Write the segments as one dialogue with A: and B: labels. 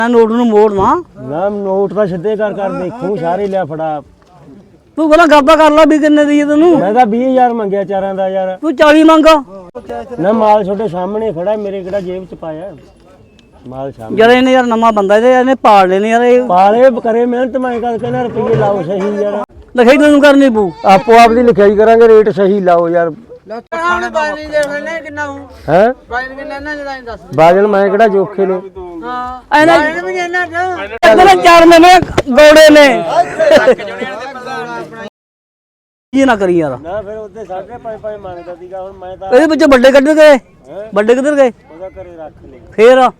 A: Note ਨੂੰ ਮੋੜਨਾ
B: ਨਾ note ਤਾਂ ਸਿੱਧੇ ਕਰ ਦੇਖੂ ਸਾਰੇ ਲਿਆ ਫੜਾ
A: ਤੂੰ ਕਹਿੰਦਾ ਗੱਬਾ ਕਰ ਲੈ ਵੀ ਕਿੰਨੇ ਦੀ ਤੈਨੂੰ
B: ਮੈਂ ਤਾਂ 20000 ਮੰਗਿਆ ਚਾਰਾਂ ਦਾ ਯਾਰ
A: ਤੂੰ 40 ਮੰਗਾ
B: ਨਾ ਮਾਲ ਛੋਟੇ ਸਾਹਮਣੇ ਖੜਾ ਮੇਰੇ ਕਿਹੜਾ ਜੇਬ ਚ ਪਾਇਆ ਮਾਲ ਸਾਹਮਣੇ
A: ਯਾਰ ਇਹਨੇ ਯਾਰ ਨਵਾਂ ਬੰਦਾ ਇਹਨੇ ਪਾਲ ਲੈਨੇ ਯਾਰ ਇਹ
B: ਪਾਲੇ ਕਰੇ ਮਿਹਨਤ ਮੈਂ ਕਰ ਕਹਿੰਦਾ ਰੁਪਏ ਲਾਓ ਸਹੀ ਯਾਰ
A: ਲਿਖਾਈ ਤੈਨੂੰ ਕਰਨੀ ਪਊ
B: ਆਪੋ ਆਪ ਦੀ ਲਿਖਾਈ ਕਰਾਂਗੇ ਰੇਟ ਸਹੀ ਲਾਓ ਯਾਰ ਹੈ ਬਾਜਲ ਮੈਂ ਕਿਹੜਾ ਜੋਖੇ ਨੇ
A: ਚਾਰ ਮਹੀਨੇ ਗੋੜੇ ਨੇ ਇਹ ਨਾ ਕਰੀ ਯਾਰ
B: ਨਾ ਫਿਰ ਉਹਦੇ 5.5 ਮੰਗਦਾ ਸੀਗਾ ਹੁਣ ਮੈਂ ਤਾਂ
A: ਇਹਦੇ ਵਿੱਚੋਂ ਵੱਡੇ ਕੱਢ ਗਏ ਵੱਡੇ ਕਿੱਧਰ ਗਏ
B: ਉਹਦਾ ਘਰੇ ਰੱਖ ਲੈ
A: ਫੇਰ
B: ਹੁਣ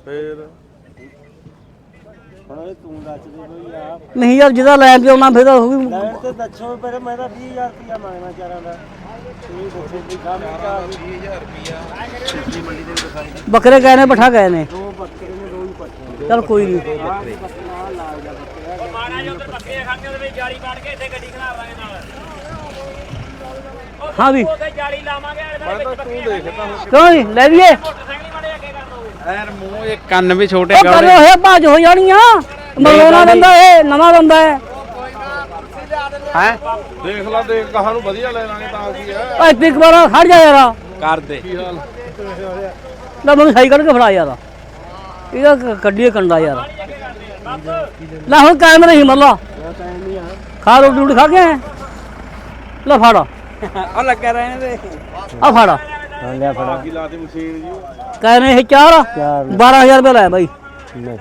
B: ਤੂੰ ਦੱਸ ਦੇ ਕੋਈ ਆਪ
A: ਨਹੀਂ ਯਾਰ ਜਿਹਦਾ ਲੈਣ ਤੇ ਆਉਣਾ ਫਿਰ ਉਹ ਵੀ
B: ਲੈਣ ਤੇ ਦੱਸੋ ਪਰ ਮੈਂ ਤਾਂ 20000 ਰੁਪਇਆ ਮੰਗਣਾ ਚਾਰਾਂ ਦਾ ਤੁਸੀਂ ਦੱਸੋ ਵੀ ਕੰਮ ਕਾ 20000 ਰੁਪਇਆ
A: ਬੱਕਰੇ ਗਏ ਨੇ ਪਠਾ ਗਏ ਨੇ
B: ਦੋ ਬੱਕਰੇ ਨੇ ਦੋ ਹੀ ਪੱਠੇ
A: ਚੱਲ ਕੋਈ ਨਹੀਂ
C: ਮਾਣਾ ਜੋ ਉਧਰ ਬੱਕਰੇ ਖਾਂਦੇ ਉਹਦੇ ਵਿੱਚ ਜਾਲੀ ਪਾੜ ਕੇ ਇੱਥੇ ਗੱਡੀ ਖੜਾ ਲਾਂਗੇ ਨਾਲ
A: ਹਾਂ ਵੀ
C: ਉੱਥੇ ਜਾਲੀ ਲਾਵਾਂਗੇ ਇਹਦੇ ਵਿੱਚ ਬੱਕਰੀਆਂ
A: ਕਿਉਂ ਨਹੀਂ ਲੈ ਲਈਏ
C: ਮੋਟਰਸਾਈਕਲ ਹੀ ਮਾੜੇ ਅੱਗੇ ਕਰ ਦੋ
D: ਯਾਰ ਮੂੰਹ ਇਹ ਕੰਨ ਵੀ ਛੋਟੇ
A: ਉਹ ਕਰੇ ਹੋਏ ਭਾਜ ਹੋ ਜਾਣੀਆਂ ਮਰੋਣਾ ਬੰਦਾ ਇਹ ਨਵਾਂ ਬੰਦਾ ਹੈ
D: ਹੈ
E: ਦੇਖ ਲਾ ਦੇਖ ਕਹਾਂ ਨੂੰ ਵਧੀਆ ਲੈ ਲਾਂਗੇ ਤਾਂ ਕੀ ਹੈ
A: ਓਏ ਇੱਕ ਵਾਰ ਖੜ ਜਾ ਯਾਰ
D: ਕਰ ਦੇ
A: ਲੈ ਮੈਨੂੰ ਸਹੀ ਕੱਢ ਕੇ ਫੜਾ ਯਾਰ ਇਹਦਾ ਕੱਢੀਏ ਕੰਡਾ ਯਾਰ ਲੈ ਹੁਣ ਕਾਇਮ ਨਹੀਂ ਮੱਲਾ ਖਾ ਰੋਟੀ ਰੋਟੀ ਖਾ ਕੇ ਆਏ? ਲੈ ਫੜਾ
D: ਉਹ ਲੱਗਾ ਰਹੇ ਨੇ
A: ਆ ਫੜਾ
B: ਹਾਂ ਲਿਆ ਫੜਾ
E: ਕੀ ਲਾਤੀ ਮਸ਼ੀਨ ਜੀ
A: ਕਹਿ ਰਹੇ ਇਹ ਚਾਰ 12000 ਰੁਪਏ ਲਾਇਆ ਬਾਈ
B: ਨਹੀਂ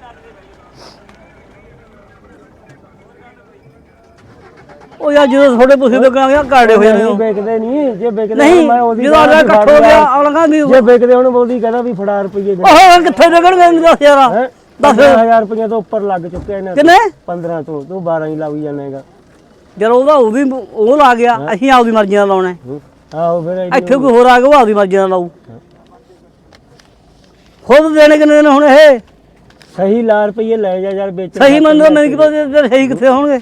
A: ਉਹ ਯਾਰ ਜਦੋਂ ਥੋੜੇ ਪੁੱਛੇ ਲੱਗਣਾ ਗਿਆ ਕਾੜੇ ਹੋ ਜਾਣੇ
B: ਨਹੀਂ ਵੇਚਦੇ ਨਹੀਂ ਜੇ ਵੇਚਦੇ
A: ਨਹੀਂ
B: ਮੈਂ ਉਹਦੀ
A: ਜਦੋਂ ਆਲਾ ਇਕੱਠ ਹੋ ਗਿਆ ਆਲਾ ਵੀ
B: ਜੇ ਵੇਚਦੇ ਹੁਣ ਉਹਦੀ ਕਹਿੰਦਾ ਵੀ ਫੜਾ ਰੁਪਏ ਦੇ
A: ਉਹ ਕਿੱਥੇ ਲੱਗਣਗੇ ਮੈਨੂੰ ਦੱਸ ਯਾਰ
B: 10000 ਰੁਪਏ ਤੋਂ ਉੱਪਰ ਲੱਗ ਚੁੱਕੇ ਨੇ
A: ਕਿੰਨੇ
B: 15 ਤੋਂ ਤੂੰ 12 ਹੀ ਲਾਈ ਜਾਣੇਗਾ
A: ਜਦ ਉਹਦਾ ਉਹ ਵੀ ਉਹ ਲਾ ਗਿਆ ਅਸੀਂ ਆਪਦੀ ਮਰਜ਼ੀ ਨਾਲ ਲਾਉਣਾ
B: ਆਹੋ ਫਿਰ
A: ਇੱਥੇ ਕੋਈ ਹੋਰ ਆ ਗਿਆ ਉਹ ਆਪਦੀ ਮਰਜ਼ੀ ਨਾਲ ਲਾਊ ਖੁਦ ਦੇਣੇ ਕਿੰਨੇ ਨੇ ਹੁਣ ਇਹ
B: ਸਹੀ ਲਾ ਰੁਪਏ ਲੈ ਜਾ ਯਾਰ ਵੇਚ
A: ਸਹੀ ਮੰਨਦਾ ਮੈਨੂੰ ਕੀ ਪਤਾ ਸਹੀ ਕਿੱਥੇ ਹੋਣਗੇ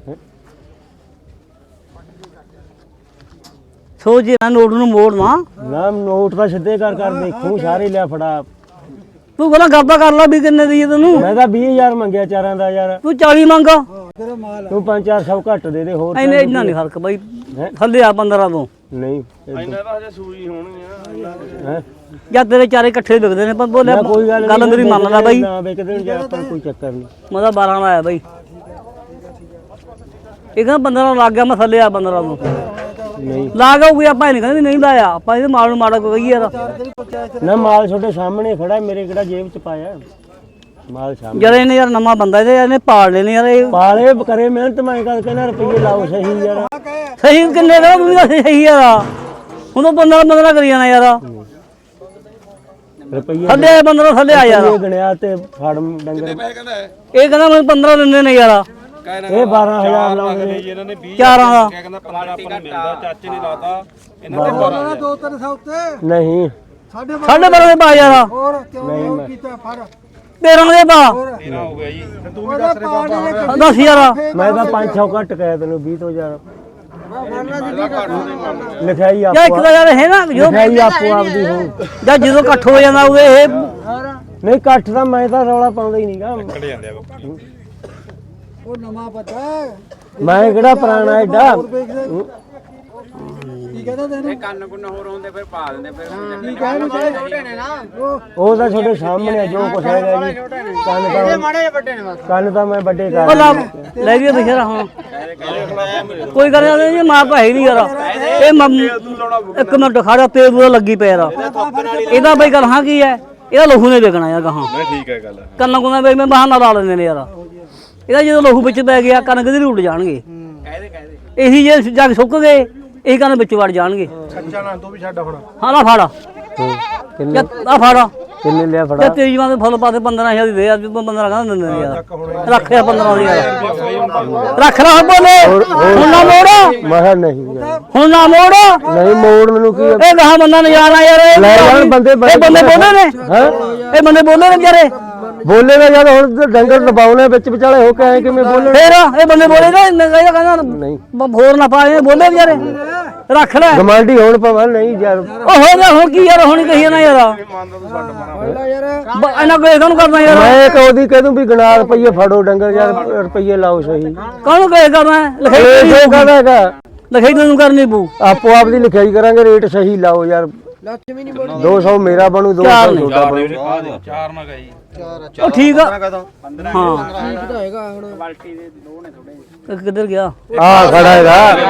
A: ਸੋਚ ਨਾ ਨੋਟ ਨੂੰ ਮੋੜਨਾ
B: ਨਾ ਨੋਟ ਤਾਂ ਸਿੱਧੇ ਕਰ ਦੇਖੂ ਸਾਰੇ ਲਿਆ ਫੜਾ
A: ਤੂੰ ਕਹਿੰਦਾ ਗੱਬਾ ਕਰ ਲੈ ਵੀ ਕਿੰਨੇ ਦੀ ਤੈਨੂੰ
B: ਮੈਂ ਤਾਂ 20000 ਮੰਗਿਆ ਚਾਰਾਂ ਦਾ ਯਾਰ
A: ਤੂੰ 40 ਮੰਗਾ
B: ਤੂੰ 5-400 ਘੱਟ ਦੇ ਹੋਰ
A: ਇਹਨੇ ਇੰਨਾ ਨਹੀਂ ਫਰਕ ਬਾਈ ਥੱਲੇ ਆ 15 ਤੋਂ
B: ਨਹੀਂ
E: ਇਹਨਾਂ ਦਾ ਹਜੇ ਸੂਈ ਹੋਣੀ ਆ
B: ਹੈ
A: ਜਾਂ ਤੇਰੇ ਚਾਰੇ ਇਕੱਠੇ ਵਿਕਦੇ ਨੇ ਪਰ ਬੋਲੇ
B: ਕੋਈ ਗੱਲ
A: ਗੱਲ ਮੇਰੀ ਮੰਨ ਲੈ ਬਾਈ
B: ਨਾ ਵੇਚਦੇ ਜਾਂ ਆਪਾਂ ਕੋਈ ਚੱਕਰ ਨਹੀਂ
A: ਮੈਂ ਤਾਂ 12 ਲਾਇਆ ਬਾਈ ਇਹ ਕਹਿੰਦਾ 15 ਲੱਗ ਗਿਆ ਮੈਂ ਥੱਲੇ ਆ 15 ਨੂੰ
B: ਨਹੀਂ
A: ਲਾ ਗਿਆ ਕੋਈ ਆਪਾਂ ਨਹੀਂ ਕਹਿੰਦੇ ਨਹੀਂ ਲਾਇਆ ਆਪਾਂ ਇਹਦੇ ਮਾਲ ਨੂੰ ਮਾੜਾ ਕੋਈ ਕਹੀਏ ਯਾਰ
B: ਨਾ ਮਾਲ ਛੋਟੇ ਸਾਹਮਣੇ ਖੜਾ ਮੇਰੇ ਕਿਹੜਾ ਜੇਬ ਚ ਪਾਇਆ ਮਾਲ ਸਾਹਮਣੇ
A: ਯਾਰ ਇਹਨੇ ਯਾਰ ਨਵਾਂ ਬੰਦਾ ਇਹਨੇ ਪਾਲ ਲੈਨੇ ਯਾਰ ਇਹ
B: ਪਾਲੇ ਕਰੇ ਮਿਹਨਤ ਮੈਂ ਕਰ ਕਹਿੰਦਾ ਰੁਪਏ ਲਾਓ ਸਹੀ ਯਾਰ
A: ਸਹੀ ਕਿੰਨੇ ਦਾ ਤੂੰ ਵੀ ਦੱਸ ਸਹੀ ਯਾਰ ਹੁਣ ਤਾਂ 15 ਕਰੀ ਜਾਣਾ ਯਾਰ
B: ਰੁਪਏ
A: ਥੱਲੇ 15 ਥੱਲੇ ਆ ਯਾਰ
B: ਗਣਿਆ ਤੇ ਫੜ ਡੰਗਰ
A: ਇਹ ਕਹਿੰਦਾ ਮੈਨੂੰ 15 ਦਿੰਦੇ ਨੇ ਯਾਰ
B: ਇਹ 12000 ਲਾਉਂਦੇ ਨੇ
E: ਇਹਨਾਂ ਨੇ 20
A: ਚਾਰਾਂ ਦਾ
E: ਕਹਿੰਦਾ 15 ਆਪਾਂ ਨੂੰ ਮਿਲਦਾ ਚਾਚੇ ਨੇ ਲਾਤਾ ਇਹਨਾਂ ਦੇ 12
B: ਨਹੀਂ
A: ਸਾਢੇ 12 ਦੇ ਪਾ ਯਾਰ
B: ਨਹੀਂ ਮੈਂ
A: 13 ਦੇ ਪਾ
E: 13 ਹੋ ਗਿਆ ਜੀ ਤੇ ਤੂੰ ਵੀ ਦੱਸ ਰਿਹਾ
A: 10 ਯਾਰ
B: ਮੈਂ ਤਾਂ 5-6 ਘੱਟ ਕਹਿਆ ਤੈਨੂੰ 20 ਤੋਂ ਯਾਰ ਲਿਖਾਈ
A: ਯਾ
B: ਆਪੋ
A: ਇੱਕ ਤਾਂ ਯਾਰ ਹੈ ਨਾ ਜੋ
B: ਲਿਖਾਈ ਆਪੋ ਆਪਦੀ ਹੋ
A: ਜਾਂ ਜਦੋਂ ਇਕੱਠ ਹੋ ਜਾਂਦਾ ਉਹਦੇ ਇਹ
B: ਨਹੀਂ ਇਕੱਠ ਤਾਂ ਮੈਂ ਤਾਂ ਰੌਲਾ ਪਾਉਂਦਾ ਹੀ ਨਹੀਂਗਾ
E: ਖੜੇ ਜਾਂਦੇ ਆ
F: ਉਹ ਨਵਾਂ ਪਤਾ
B: ਮੈਂ ਕਿਹੜਾ ਪੁਰਾਣਾ ਐਡਾ
F: ਕੀ ਕਹਿੰਦਾ ਤੈਨੂੰ
D: ਕੰਨ ਕੁੰਨ ਹੋਰ ਹੁੰਦੇ ਫਿਰ ਪਾ ਦਿੰਦੇ ਫਿਰ
F: ਕੀ ਕਹਿੰਦਾ ਛੋਟੇ ਨੇ ਨਾ
B: ਉਹ ਤਾਂ ਤੁਹਾਡੇ ਸਾਹਮਣੇ ਆ, ਜੋ ਕੁਛ ਹੈਗਾ ਜੀ ਕੰਨ ਤਾਂ ਮੈਂ ਵੱਡੇ ਕਰ
A: ਉਹ ਲਾ ਲੈ ਵੀ ਬਸ਼ਰਾ ਹੁਣ ਕੋਈ ਗੱਲ ਨਹੀਂ ਜੀ ਮਾਂ ਭਾਈ ਨਹੀਂ ਯਾਰ ਇਹ ਇੱਕ ਮਿੰਟ ਖੜਾ ਤੇ ਦੂਆ ਲੱਗੀ ਪਿਆ ਯਾਰ ਇਹਦਾ ਬਈ ਗੱਲ ਹਾਂ ਕੀ ਹੈ ਇਹਦਾ ਲਹੂ ਨੇ ਵੇਖਣਾ ਯਾਰ ਕਹਾਂ
E: ਨਹੀਂ ਠੀਕ ਹੈ ਗੱਲ
A: ਕੰਨਾਂ ਕੁੰਨਾਂ ਬਈ ਮੈਂ ਬਹਾਨਾ ਲਾ ਲੈਂਦੇ ਨੇ ਯਾਰ ਇਹਦਾ ਜਦੋਂ ਲਹੂ ਵਿੱਚ ਪੈ ਗਿਆ ਕੰਨ ਕਿਧਰ ਉੱਡ ਜਾਣਗੇ ਇਹੀ ਜੇ ਜੱਗ ਸੁੱਕ ਗਏ ਇਹ ਕੰਨ ਵਿੱਚ ਵੜ ਜਾਣਗੇ
E: ਕੱਚਾ ਨਾ ਤੂੰ ਵੀ ਛੱਡ ਹੁਣ
A: ਹਾਂ ਲਾ ਫਾੜਾ
B: ਕਿੰਨੇ
A: ਆ ਫਾੜਾ
B: ਕਿੰਨੇ ਲਿਆ
A: ਤੇ
B: ਫੜਾ
A: ਤੇਰੀ ਮਾਂ ਦੇ ਫੁੱਲ ਪਾਤੇ 15000 ਦੀ ਦੇ ਆ 15 ਕਹਿੰਦਾ ਦਿੰਦੇ ਨੇ ਯਾਰ ਰੱਖਿਆ 15 ਦੀ ਯਾਰ ਰੱਖ ਲਾ ਬੋਲੇ ਹੁਣ ਨਾ ਮੋੜ
B: ਮੈਂ ਕਿਹਾ ਨਹੀਂ ਯਾਰ।
A: ਹੁਣ ਨਾ ਮੋੜ
B: ਨਹੀਂ ਮੋੜ ਮੈਨੂੰ ਕੀ
A: ਇਹ ਗਾਹ ਬੰਦਾ ਨਜ਼ਾਰਾ ਯਾਰ ਇਹ
B: ਲੈ ਜਾਣ ਬੰਦੇ
A: ਇਹ ਬੰਦੇ ਬੋਲੇ ਨੇ ਇਹ ਬੰਦੇ ਬੋਲੇ ਨੇ ਵਿਚਾਰੇ
B: ਬੋਲੇਗਾ ਜਦ ਹੁਣ ਡੰਗਰ ਦਬਾਉਣੇ ਵਿੱਚ ਵਿਚਾਲੇ ਹੋ ਕੇ ਆਏ ਕਿਵੇਂ ਬੋਲਣ
A: ਫੇਰ ਇਹ ਬੰਦੇ ਬੋਲੇ ਨਾ ਕਹਿੰਦਾ
B: ਨਹੀਂ
A: ਹੋਰ ਨਾ ਪਾਏ ਬੋਲੇ ਵਿਚਾਰੇ ਰੱਖ ਲੈ
B: ਗਮਾਂਡੀ ਹੁਣ ਪਵਾਂ ਨਹੀਂ ਯਾਰ
A: ਉਹ ਹੋ ਗਿਆ ਹੁਣ ਕੀ ਯਾਰ ਹੁਣ ਕਹੀ ਨਾ ਯਾਰ ਇਹਨਾਂ ਕੋਈ ਕਾਹਨੂੰ ਕਰਨਾ ਯਾਰ
B: ਮੈਂ ਕਹਦੀ ਕਹਦੂੰ ਵੀ ਗਣਾ ਰੁਪਈਏ ਫੜੋ ਡੰਗਰ ਯਾਰ ਰੁਪਈਏ ਲਾਓ ਸਹੀ
A: ਕਾਹਨੂੰ ਕਹੇ ਕਰਨਾ ਲਿਖਾਈ
B: ਇਹ ਕਹਦਾਗਾ
A: ਲਿਖਾਈ ਤੈਨੂੰ ਕਰਨੀ ਪਊ
B: ਆਪੋ ਆਪ ਦੀ ਲਿਖਾਈ ਕਰਾਂਗੇ ਰੇਟ ਸਹੀ ਲਾਓ ਯਾਰ 200 ਮੇਰਾ ਬਣੂ 200 ਤੁਹਾਡਾ ਬਣੂ
E: ਚਾਰ ਨਾ ਗਈ
A: ਉਹ ਠੀਕ ਆ ਹਾਂ
F: ਠੀਕ ਤਾਂ ਹੈਗਾ ਹੁਣ
A: ਕਿੱਧਰ ਗਿਆ
B: ਆ ਖੜਾ ਹੈਗਾ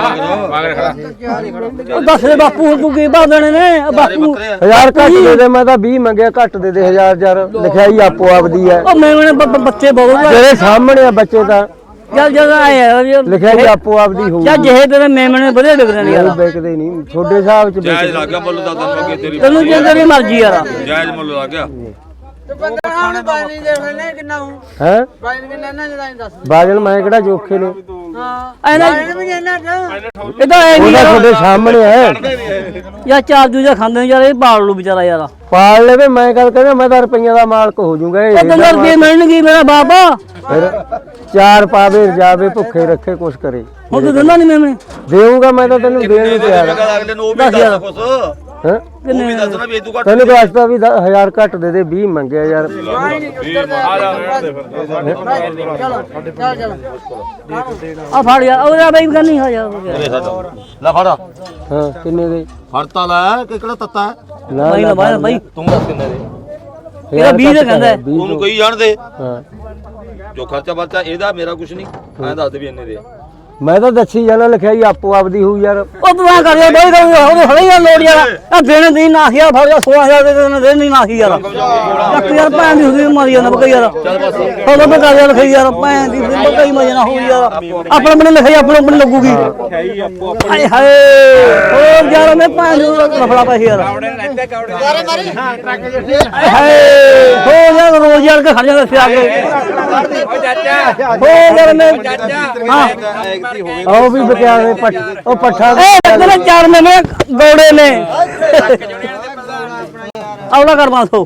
A: ਉਹ ਦੱਸ ਦੇ ਬਾਪੂ ਹੁਣ ਤੂੰ ਕੀ ਭਰ ਦੇਣੇ ਨੇ ਬਾਪੂ
B: 1000 ਘੱਟ ਦੇ ਦੇ ਮੈਂ ਤਾਂ 20 ਮੰਗਿਆ ਘੱਟ ਦੇ ਦੇ 1000 ਯਾਰ ਲਿਖਾਈ ਆਪੋ ਆਪ ਦੀ ਹੈ
A: ਉਹ ਮੈਨੇ ਬੱਚੇ ਬਹੁਤ
B: ਤੇਰੇ ਸਾਹਮਣੇ ਆ ਬੱਚੇ ਤਾਂ
A: ਚੱਲ ਜਦ ਆਇਆ
B: ਲਿਖਾਈ ਆਪੋ ਆਪ ਦੀ ਹੋਊ
A: ਚੱਲ ਜਿਹੇ ਤੇਰੇ ਮੇਮਣੇ ਵਧੀਆ ਵਿਕਦੇ ਨੇ ਯਾਰ
B: ਵੇਚਦੇ ਨਹੀਂ ਛੋਟੇ ਹਿਸਾਬ ਚ
E: ਜਾਇਜ਼ ਲੱਗ ਗਿਆ ਮੁੱਲ ਦਾ ਤੈਨੂੰ ਅੱਗੇ ਤੇਰੀ
A: ਤੈਨੂੰ ਜਿੰਦੇ ਦੀ ਮਰਜ਼ੀ ਯਾਰ
E: ਜਾਇਜ਼ ਮੁੱਲ ਲੱਗ ਗਿਆ
F: ਤੇ ਬੰਦਾ ਹੁਣ ਪਾਣੀ ਦੇ ਲੈਣੇ ਕਿੰਨਾ ਹੂੰ
B: ਹੈ
F: ਪਾਣੀ ਕਿੰਨਾ ਲੈਣਾ ਜਦਾਂ ਦੱਸ
B: ਬਾਜਲ ਮੈਂ ਕਿਹੜਾ ਜੋਖੇ ਨੇ
F: ਹਾਂ
A: ਐਨਾ
F: ਪਾਣੀ ਵੀ ਲੈਣਾ
A: ਇਹ ਤਾਂ ਐ
B: ਉਹਦਾ
A: ਨਹੀਂ
B: ਤੁਹਾਡੇ ਸਾਹਮਣੇ ਹੈ
A: ਯਾਰ ਚਾਰ ਦੂਜਾ ਖਾਂਦੇ ਨੇ ਯਾਰ ਇਹ ਪਾਲ ਲੂ ਵਿਚਾਰਾ ਯਾਰ
B: ਪਾਲ ਲਵੇ ਮੈਂ ਗੱਲ ਕਹਿੰਦਾ ਮੈਂ ਤਾਂ ਰੁਪਈਆਂ ਦਾ ਮਾਲਕ ਹੋ ਜਾਊਂਗਾ ਇਹ
A: ਉਹ ਤੈਨੂੰ ਰੁਪਏ ਮਿਲਣਗੇ ਮੇਰਾ ਬਾਬਾ
B: ਫਿਰ ਚਾਰ ਪਾਵੇ ਜਾਵੇ ਭੁੱਖੇ ਰੱਖੇ ਕੁਛ ਕਰੇ
A: ਹੁਣ ਤੂੰ ਦਿੰਦਾ ਨਹੀਂ ਮੇਮਣੇ
B: ਦੇਊਂਗਾ ਮੈਂ ਤਾਂ ਤੈਨੂੰ ਦੇਣ ਨੂੰ ਤਿਆਰ ਹਾਂ
E: ਅਗਲੇ ਨੂੰ ਉਹ ਵੀ ਦੱਸ ਕੁਛ
B: ਹੈਂ?
E: ਉਹ ਵੀ ਦੱਸਣਾ ਵੀ ਤੂੰ ਘੱਟ
B: ਤੈਨੂੰ ਦੱਸਦਾ ਵੀ 1000 ਘੱਟ ਦੇ ਦੇ 20 ਮੰਗਿਆ ਯਾਰ
E: ਆ ਜਾ
F: ਚਲੋ ਚੱਲ
A: ਆ ਫੜ ਯਾਰ ਉਹਦਾ ਬਈ ਕਰਨੀ ਹੋ ਜਾ
E: ਲੈ ਫੜ
B: ਹਾਂ ਕਿੰਨੇ ਦੇ
E: ਫੜਤਾ ਲੈ ਕਿ ਕਿਹੜਾ ਤੱਤਾ
B: ਨਾ
A: ਬਾਈ ਨਾ ਬਾਈ ਬਾਈ
E: ਤੂੰ ਦੱਸ ਕਿੰਨੇ ਦੇ
A: ਇਹਦਾ 20 ਦਾ ਕਹਿੰਦਾ ਹੈ।
E: ਉਹਨੂੰ ਕਹੀ ਜਾਣ ਦੇ
B: ਹਾਂ
E: ਜੋ ਖਰਚਾ ਵਰਚਾ ਇਹਦਾ ਮੇਰਾ ਕੁਛ ਨਹੀਂ ਐਂ ਦੱਸ ਦੇ ਵੀ ਇੰਨੇ ਦੇ
B: ਮੈਂ ਤਾਂ ਦੱਸੀ ਜਾਣਾ ਲਿਖਾਈ ਆਪੋ ਆਪ ਦੀ ਹੋਊ ਯਾਰ
A: ਉਹ ਤੂੰ ਆ ਕਰ ਯਾਰ ਬਾਈ ਕਰ ਉਹਦੇ ਹਲੇ ਯਾਰ ਲੋੜ ਯਾਰ ਆ ਦੇਣੇ ਦੀ ਨਾਸੀਆ ਫੜ ਜਾ 16000 ਦੇ ਦੇਣੇ ਨਹੀਂ ਨਾਸੀ ਯਾਰ ਇੱਕ ਯਾਰ ਭੈਣ ਦੀ ਹੁੰਦੀ ਮਾਰੀ ਜਾਂਦਾ ਬਕਈ ਯਾਰ ਉਹ ਤਾਂ ਕਰ ਯਾਰ ਲਿਖਾਈ ਯਾਰ ਭੈਣ ਦੀ ਬਕਈ ਮਾਰੀ ਨਾ ਹੋਈ ਯਾਰ ਆਪਣੇ ਆਪਣੇ ਲਿਖਾਈ ਆਪਣੇ ਆਪਣੇ ਲੱਗੂਗੀ ਹਾਏ ਹਾਏ ਉਹ ਯਾਰ ਮੈਂ ਭੈਣ ਨੂੰ ਲਫੜਾ ਪੈ ਯਾਰ ਹਾਏ ਹੋ ਯਾਰ ਰੋਜ਼ ਯਾਰ ਕੇ ਖੜ ਜਾਂਦਾ ਸਿਆ ਕੇ ਹੋ ਯਾਰ ਮੈਂ ਹਾਂ
B: ਆਓ ਵੀ ਬਕਿਆ ਦੇ ਉਹ ਪੱਠਾ
A: ਇਹ ਤੇਰੇ ਚਾਰ ਮਹੀਨੇ ਗੋੜੇ ਨੇ ਆਉਣਾ ਕਰ 500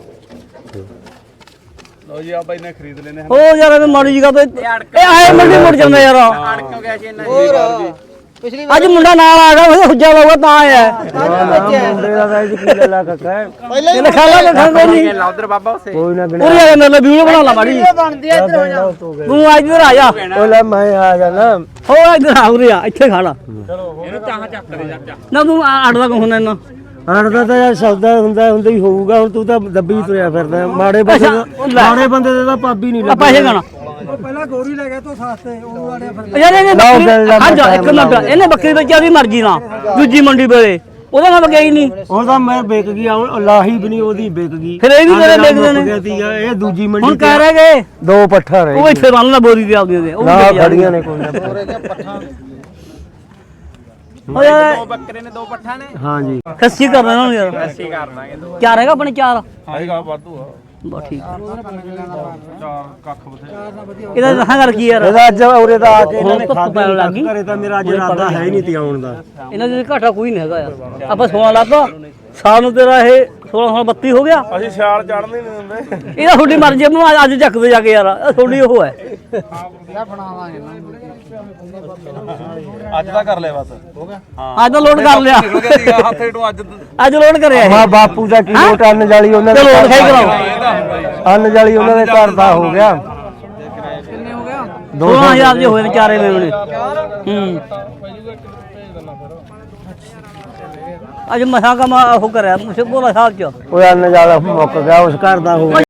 E: ਲੋ ਜੀ ਆ ਬਾਈ ਨੇ ਖਰੀਦ ਲੈਨੇ
A: ਉਹ ਯਾਰ ਇਹ ਮਾੜੀ ਜੀ ਗੱਲ ਇਹ ਆਏ ਮੰਡੀ ਮੁੜ ਜਾਂਦਾ ਯਾਰ
F: ਹੋਰ ਪਿਛਲੀ
A: ਅੱਜ ਮੁੰਡਾ ਨਾਲ ਆ ਗਿਆ ਉਹ ਹੁੱਜਾ ਲਾਊਗਾ ਤਾਂ ਆਇਆ
B: ਮੁੰਡੇ ਦਾ ਤਾਂ ਇਹ ਕੀ ਗੱਲਾਂ ਕੱਕਾ
A: ਇਹ ਲਿਖਾ ਲਾ ਲਿਖਾ ਕੋਈ ਨਹੀਂ
D: ਉਧਰ ਬਾਬਾ ਉਸੇ
B: ਕੋਈ ਨਾ
A: ਉਰੇ ਆ ਮੇਰੇ ਲਈ ਵੀਡੀਓ ਬਣਾ ਲਾ ਮਾੜੀ
F: ਬਣਦੀ ਐ ਇੱਧਰ ਹੋ ਜਾ
A: ਤੂੰ ਅੱਜ ਇੱਧਰ ਆ ਜਾ
B: ਉਹ ਲੈ ਮੈਂ ਆ ਜਾਣਾ
A: ਹੋ ਇੱਧਰ ਆ ਉਰੇ ਆ ਇੱਥੇ ਖੜਾ
D: ਇਹਨੂੰ ਚਾਹਾਂ ਚੱਕ ਦੇ ਜਾ
A: ਨਾ ਤੂੰ ਅੜਦਾ ਕੋ ਹੁੰਦਾ ਇਹਨਾਂ
B: ਅੜਦਾ ਤਾਂ ਯਾਰ ਸੌਦਾ ਹੁੰਦਾ ਹੀ ਹੋਊਗਾ ਹੁਣ ਤੂੰ ਤਾਂ ਦੱਬੀ ਤੁਰਿਆ ਫਿਰਦਾ ਮਾੜੇ ਬੰਦੇ ਮਾੜੇ ਬੰਦੇ ਦੇ ਤਾਂ ਪਾਬੀ ਨਹੀਂ
A: ਆ ਪੈਸੇ ਗਾਣਾ
F: ਉਹ ਪਹਿਲਾਂ ਗੋਰੀ ਲੈ ਗਿਆ ਤੋ ਸਸਤੇ ਉਹ ਆੜੇ ਫਿਰ
A: ਯਾਰ ਇਹਨੇ ਇਹਨੇ ਬੱਕਰੀ ਵੇਚਿਆ ਦੀ ਮਰਜ਼ੀ ਨਾਲ ਦੂਜੀ ਮੰਡੀ ਵੇਲੇ ਉਹਦਾ ਨਾਲ ਵਗਿਆ ਹੀ ਨਹੀਂ
B: ਉਹ ਤਾਂ ਮੈਂ ਵਿਕ ਗਈ ਲਾਹੀ ਵੀ ਨਹੀਂ ਉਹਦੀ ਵਿਕ ਗਈ
A: ਫਿਰ ਇਹ ਵੀ ਮੇਰੇ ਵੇਚਦੇ ਨੇ
B: ਸੀਗਾ ਇਹ ਦੂਜੀ
A: ਹੁਣ
B: ਮੰਡੀ
A: ਕਹਿ ਰਹੇ ਗਏ
B: ਦੋ ਪੱਠਾ ਰਹੇ
A: ਉਹ ਇੱਥੇ ਬੰਨ ਲਾ ਬੋਰੀ ਤੇ ਆਪਦੀ ਦੇ ਉਹ
B: ਨਾ
A: ਵੇਚ ਜਾਂਦੇ।
B: ਖੜੀਆਂ ਨੇ ਕੋਈ ਨਾ
A: ਉਹ ਯਾਰ
D: ਦੋ ਬੱਕਰੇ ਨੇ ਦੋ ਪੱਠਾ ਨੇ
B: ਹਾਂਜੀ
A: ਖੱਸੀ ਕਰ ਦੇਣਾ ਉਹਨੂੰ ਯਾਰ
D: ਅਸੀਂ ਕਰ ਦਾਂਗੇ ਦੋ
A: ਚਾਰ ਹੈਗਾ ਆਪਣੇ ਚਾਰ
E: ਆਏਗਾ ਵਾਧੂ ਆ
A: ਬਸ ਠੀਕ
E: ਚਾਰ ਕੱਖ ਬਥੇ
A: ਇਹਦਾ ਦੱਸਾਂ ਕਰ ਕੀ ਯਾਰ
B: ਇਹਦਾ ਅੱਜ ਉਰੇ ਦਾ ਆ ਕੇ ਇਹਨਾਂ ਨੇ
A: ਧੁੱਪ
B: ਖਾਧਾ
A: ਪੈਣ ਲੱਗ ਗਈ।
B: ਘਰੇ ਤਾਂ ਮੇਰਾ ਅੱਜ ਇਰਾਦਾ ਹੈ ਹੀ ਨਹੀਂ ਤੀ ਆਉਣ ਦਾ
A: ਇਹਨਾਂ ਦੇ ਘਾਟਾ ਕੋਈ ਨਹੀਂ ਹੈਗਾ ਯਾਰ ਆਪਾਂ 16 ਲੱਭਾ ਸਾਲ ਨੂੰ ਤੇਰਾ ਇਹ 16 32 ਹੋ ਗਿਆ
E: ਅਸੀਂ ਸਿਆਲ ਚੜਨ ਹੀ ਨਹੀਂ ਦਿੰਦੇ
A: ਇਹਦਾ ਤੁਹਾਡੀ ਮਰਜ਼ੀ ਹੈ, ਮੈਂ ਅੱਜ ਚੱਕਦੇ ਜਾ ਕੇ ਯਾਰ ਇਹ ਤੁਹਾਡੀ ਉਹ ਹੈ
E: ਅੱਜ ਦਾ ਕਰ ਲਿਆ ਬਸ ਹੋ ਗਿਆ
A: ਅੱਜ ਤਾਂ ਲੋਡ ਕਰ ਲਿਆ
E: ਨਿਕਲ ਗਿਆ ਸੀਗਾ ਹੱਥੇ ਤੋਂ ਅੱਜ
A: ਅੱਜ ਲੋਡ ਕਰਿਆ ਇਹ
B: ਮਾ ਬਾਪੂ ਦਾ ਕਿਲੋ ਟਨ ਜਾਲੀ ਉਹਨਾਂ ਦੇ
A: ਚਲੋ ਲਿਖਾਈ ਕਰਾਓ
B: ਅੰਨ ਜਾਲੀ ਉਹਨਾਂ ਦੇ ਘਰ ਦਾ ਹੋ ਗਿਆ
F: ਕਿੰਨੇ ਹੋ ਗਿਆ
A: 16000 ਦੇ ਹੋਏ ਨੇ ਚਾਰੇ ਮੇਵਣੇ ਅੱਜ ਮਸਾਂ ਕਾ ਉਹ ਕਰਿਆ ਮੁਸ਼ਕ ਬੋਲਾ ਸਾਹਿਬ ਚ
B: ਉਹ ਅੰਨ ਜਾਲਾ ਮੁੱਕ ਗਿਆ ਉਸ ਘਰ ਦਾ ਹੋ ਗਿਆ